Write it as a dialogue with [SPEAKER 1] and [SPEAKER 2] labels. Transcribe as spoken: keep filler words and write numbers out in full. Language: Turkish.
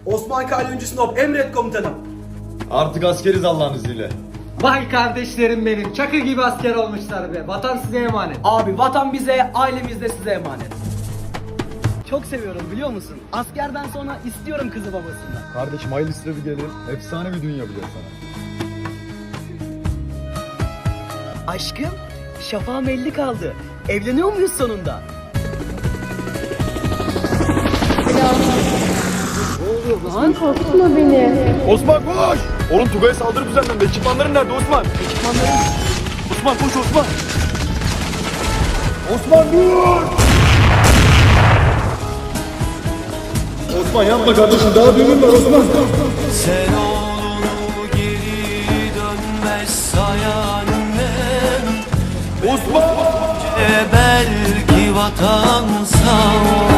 [SPEAKER 1] Osman Kalyoncu Sinop, emret komutanım.
[SPEAKER 2] Artık askeriz Allah'ın izniyle.
[SPEAKER 3] Vay kardeşlerim benim, çakı gibi asker olmuşlar be. Vatan size emanet.
[SPEAKER 1] Abi vatan bize, ailemiz de size emanet.
[SPEAKER 4] Çok seviyorum biliyor musun? Askerden sonra istiyorum kızı babasından.
[SPEAKER 2] Kardeşim hayırlı sıra bir gelir. Efsane bir dünya biliyor sana.
[SPEAKER 4] Aşkım, şafağım elli kaldı. Evleniyor muyuz sonunda?
[SPEAKER 5] Lan korkutma beni.
[SPEAKER 2] Osman koş! Oğlum Tugay'a saldırı düzenlendi. Ekipmanların nerede Osman? Ekipmanların... Osman koş Osman! Osman dur! Osman yapma kardeşim, daha düğünün var Osman.
[SPEAKER 6] Sen oğlunu geri dönmez sayan annem.
[SPEAKER 2] Osman!
[SPEAKER 6] E belki vatan sağ